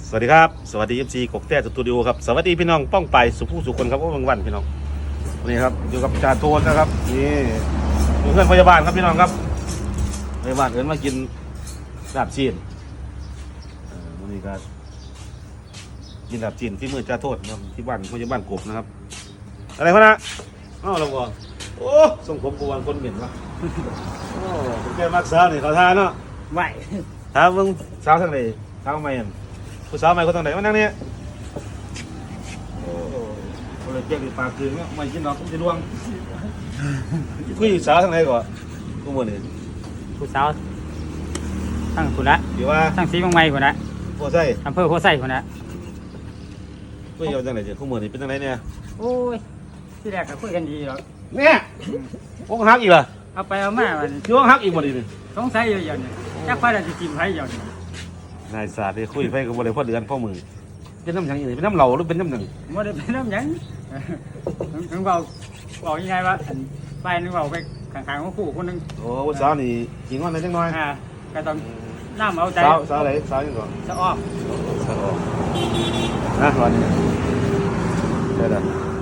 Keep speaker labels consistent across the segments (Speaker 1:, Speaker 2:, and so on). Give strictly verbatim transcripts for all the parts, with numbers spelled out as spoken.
Speaker 1: สวัสดีครับสวัสดีเอฟซีกบแต้สตูดิโอครับสวัสดีพี่น้องป้องไปสุผู้สุคนครับโอ้บางวันพี่น้องวันนี้ครับอยู่กับจ่าโทนนะครับนี่เพื่อนพยาบาลครับพี่น้องครับพยาบาลเอิญมากินลาบจีนวันนี้ก็กินลาบจีนที่มือจ่าโทษนะครับที่บ้านพยาบาลกบนะครับอะไรพะนะอ้าวเราบอกโอ้ส่งผมกวนคนเหม็นวะโอ้ผมแกมักสาวนี่เขาทานเนาะ
Speaker 2: ไหว
Speaker 1: ถามมึงสาวทางไหนสาวใหม่เห็นผู้สาวใหม่คนทางไหนมานั่งเนี่ยโอ้โหเลยเจ๊กปากคืนเนี่ยไม่กินหรอกผมจะดวงคุยสาวทางไหนก่อนกูมือนี่
Speaker 2: ผู้สาวทั้งคุณละ
Speaker 1: เดี๋ยวว่า
Speaker 2: ทั้งสีบางไม้คุณละ
Speaker 1: โคไส้
Speaker 2: อำเภอโคไส้คุณละ
Speaker 1: คุยเอาทางไหนเจ๊กูมือนี่เป็นทางไหนเนี่ย
Speaker 2: โอ้ยที่แรกก็คุยกันดีหรอก
Speaker 1: เนี่ยพวกฮักอีกเหรอ
Speaker 2: เอาไปเอามามัน
Speaker 1: ช่วงฮักอีกหมดเลยนี่
Speaker 2: สงสัยอยู่อย่างนี้จักไฟเราจะจิ้มไฟอย่างนี้
Speaker 1: นายศาสตร์คุยไปกับบริพ่อเดือนพ่อมือเป็นน้ำหยังอีกเป็นน้ำเหลาหรือเป็นน้ำหนึ่ง
Speaker 2: ไม่ได้เป็นน้ำหยังถึงบอกบอกยังไงว่าไฟนึงบอกไปข้างๆของคู่คนนึง
Speaker 1: โอ้ผู้สาวนี่กินงอนอะไรจังน้อย
Speaker 2: อ่าก็ต้องน้ำเอาใจ
Speaker 1: สาวสาวไหนสาวยังก่อน
Speaker 2: จะอ้อม
Speaker 1: สาวนะวันนี้เดี๋ยว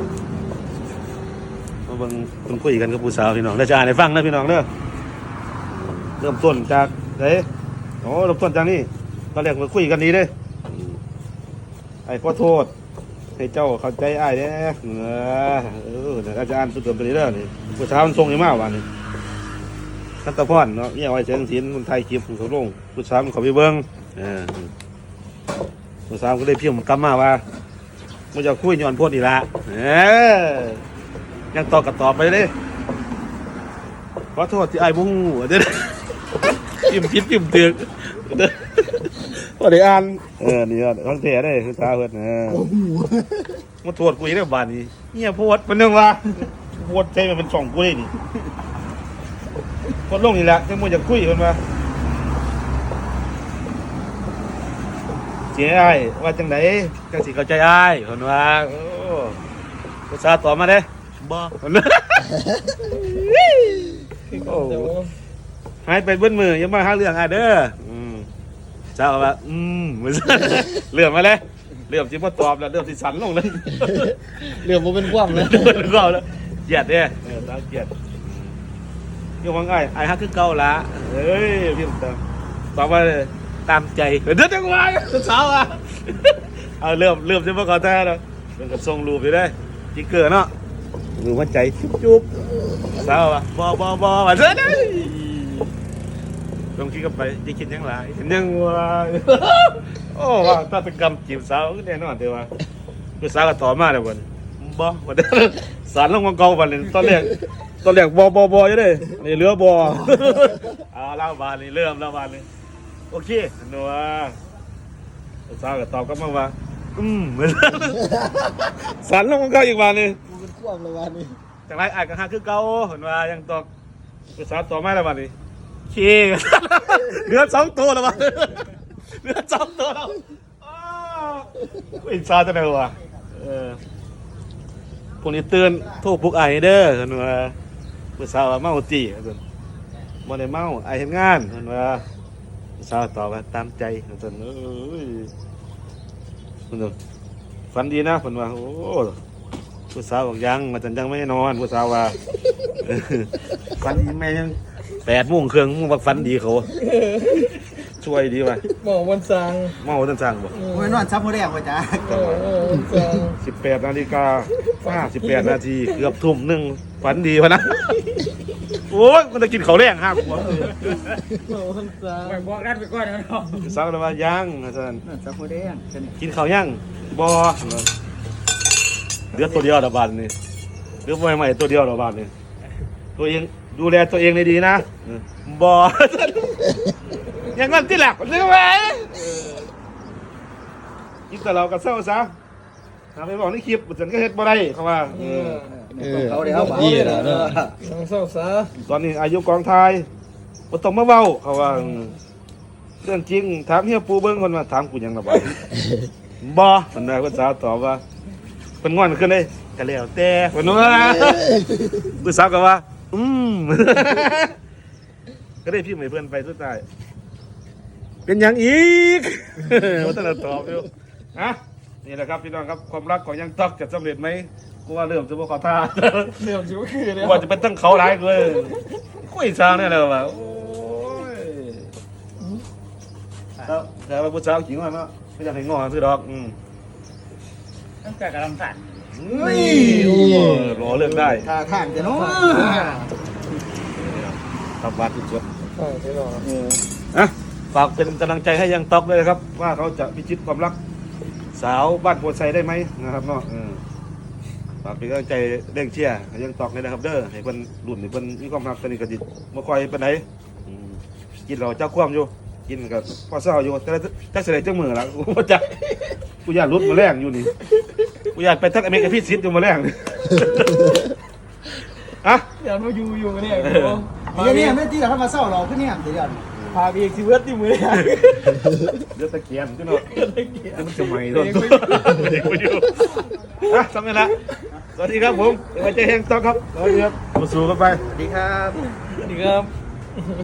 Speaker 1: มาเบิ่งคุณคุยกันกับผู้สาวพี่น้องได้จะอ่านให้ฟังนะพี่น้องเด้อเริ่มต้นจากไหนโอ้เริ่มต้นจากนี่ตอนแรกมาคุยกันดีเด้ไอ้ขอโทษให้เจ้าเข้าใจอ้ายเด้เออเออเดี๋ยวอาจารย์สุดเติมตัวนี้เด้อนี่ผู้สาวมันทรงยังมากว่านี่ทัตตะพรเนาะเนี่ยไว้เสียงศิลป์คนไทยคลิปของเขาลงผู้สาวมันเขาไปเบิ่งเออผู้สาวก็ได้พิมพ์กลับมาว่ามันจะคุยย้อนโพดอีละเออยังตอบกับตอบไปเลยขอโทษที่ไอ้บุ้งเด้อพิมพ์ผิดพิมพ์เตือนเด้อพอได้อ่านเออนี่ก็คอนเทนต์ได้คือตาเพิ่นเออมาโทษกูอีกแล้วบาดนี้เหี้ยโพดมันนึงว่าโพดใช่มันเป็นช่องกูเลยนี่โพดลงนี่แหละจังบ่อยากคุยเพิ่นว่าเสียอ้ายว่าจังไดจังสิเข้าใจอ้ายเพิ่นว่าโอ้ภาษาตอบมาเด้บ่เพิ่นโอ้หายไปเบิ้มืออย่ามาหาเรื่องอ้ายเด้ออืมเจ้าว่าอืมเหมือนเรื่องมาเลยเรื่องที่มาตอบแล้วเรื่องที่สันลงเลย
Speaker 3: เรื่องมันเป็นความเลย
Speaker 1: เรื่องก็แล้วเกลียดเนี่ยเออตามเกลียดยังว่าง่ายไอ้ฮักคือเก่าละเฮ้ยพี่ตามตอบว่าตามใจเดี๋ยวจังหวะเช้าอ่ะเอาเริ่มเริ่มจะมาขอแท้แล้วเรื่องกับทรงรูปไปได้จิ๊กเกอร์เนาะมือหัวใจจุ๊บจุ๊บเช้าอ่ะบอบอบอมาเถอะนะลองคิดกันไปจะคิดยังไงเห็นยังว่าโอ้ว่าตาตะกรรมจีบสาวแน่นอนเดี๋ยวว่าคือสาวก็ต่อมาแล้ววันบ่วันนี้สารลงมาเก่าวันนี้ตอนแรกตอนแรกบอบอบออยู่เลยนี่เรือบอเอาเล่าบานนี่เริ่มแล้วบานนี่โอเคหนูว่าสาวก็ตอบกลับมาว่าอืมเหมือนสารลงมาเก่าอีกวันนึง
Speaker 3: มันเป็นความเลยวันนี้
Speaker 1: จากไรอาจจะหาคือเก่าเห็นว่ายังตอบคือสาวต่อมาแล้ววันนี้เชี่ยเหลือสองตัวแล้ววะเหลือสองตัวแล้วอินซาจะไหนวะเออพวกนี้เตือนโทษพวกไอเด้อเห็นว่าเมื่อสาวเมาจีเห็นบ่ได้เมาไอเห็นงานเห็นว่าสาวตอบว่าตามใจเห็นเอ้ยเห็นฝันดีนะเห็นว่าโอ้ผู้สาวบอกยังมาจันยังไม่นอนผู้สาวว่าฝันดีแม่ยังแปดโมงเครื่องมึงว่าฝันดีเขาช่วยดีว่ะ
Speaker 3: หมอวันสัง
Speaker 1: เมาตั้งสั่งบ่
Speaker 3: โอ้ยนอนซับหัวแดงไปจ้าโอ้วันสัง
Speaker 1: สิบแปดนาฬิกาห้าสิบแปดนาทีเกือบทุ่มหนึ่งฝันดีวะนะโอ้ยมันจะกินข้าวแรงห้าขวบ
Speaker 3: หมอวันสัง
Speaker 2: ไปบอกรัดไปก่อนนะเนาะ
Speaker 1: สาวเลยว่ายังอาจารย์
Speaker 2: สักคนเดียว
Speaker 1: กินข้าวยังบ่เดือดตัวเดียวดอกบานนี่เดือดใหม่ๆตัวเดียวดอกบานนี่ตัวเองดูแลตัวเองในดีนะบ่ยังงั้นที่หลักใช่ไหมกินแต่เรากับเศร้าซะทำไปบอกในคลิปฉันก็เฮ็ดบ่ได้เขาว่า
Speaker 3: เออ
Speaker 4: เขาเดี๋ยวเขาดีแล้วเนอะ
Speaker 3: สังเศร้าซะ
Speaker 1: ตอนนี้อายุกองไทยบ่ต้องมาเว้าเขาว่าเรื่องจริงถามเฮียปูเบิ้งคนมาถามกูหยังระบายบ่คนใดคนสาวตอบว่าเป็นงอนขึ้นเลยก็แล้วแต่คนนู้นผู้สาวก็ว่าอืมก็ได้พิมพ์ให้เพื่อนไปสุดท้ายเป็นอย่างอีก ว่าแต่ละตอบอยู่นะนี่แหละครับพี่น้องครับความรักของยังต๊อกจะสำเร็จไหมกูว่าเริ่มจะบ่เข้าท่า
Speaker 3: เรื่องชิวคือเลย
Speaker 1: กูว่าจะเป็นตั้งเขาหลายเลยคุยซางเนี่ยเลยว่ะโอ้ยแล้วแต่ว่าผู้สาวขิงว่าเนาะไม่อยากให้งอซื้อดอกอืม
Speaker 2: ตั้งแต่กำลังสั่น
Speaker 1: นี่โอ้ยรอเลือกได้
Speaker 3: ท่าทางจะเนาะ
Speaker 1: ตับบาดจุดจุด
Speaker 3: ใช่ใช่หรอ
Speaker 1: อ่ะฝากเป็นกำลังใจให้ยังต๊อกด้วยนะครับ ว่าเขาจะพิชิตความรักสาวบ้านโพไซได้ไหมนะครับเนาะเออฝากเป็นกำลังใจเร่งเชียร์ให้ยังต๊อกเลยนะครับเด้อให้เพิ่นรุ่นให้เพิ่นมีความรักตอนนี้ก็ดิบ่ค่อยปานใดอืมกินเราเจ้าความอยู่กินกับพ่อเศร้าอยู่แต่จักเสด็จจังมือละกูบ่จักกูอยากรุดมาแรงอยู่นี่กูอยากไปทักอเมริกาพิซิตอยู่มาแรงนี่ อะ
Speaker 3: อย่ามาอยู่อยู่กันเนี่ย
Speaker 1: เออ
Speaker 3: เดี๋ยวนี้ไม่ที่เราเข้ามาเศร้าเราขึ้นเนี่ยเดี๋ยวพาไปอีกสิเวิร์ดที่มือเนี่ย
Speaker 1: เดือดตะเกียนจังเนาะจะมันจะไหม่โดนตัวเด็กไปอยู่อ่ะสำเร็จละสวัสดีครับผมไว้ใจแห้งต๊อกครับสวัสดีครับมาสู่กันไป
Speaker 3: สวัสดีครับสวัสดีครับ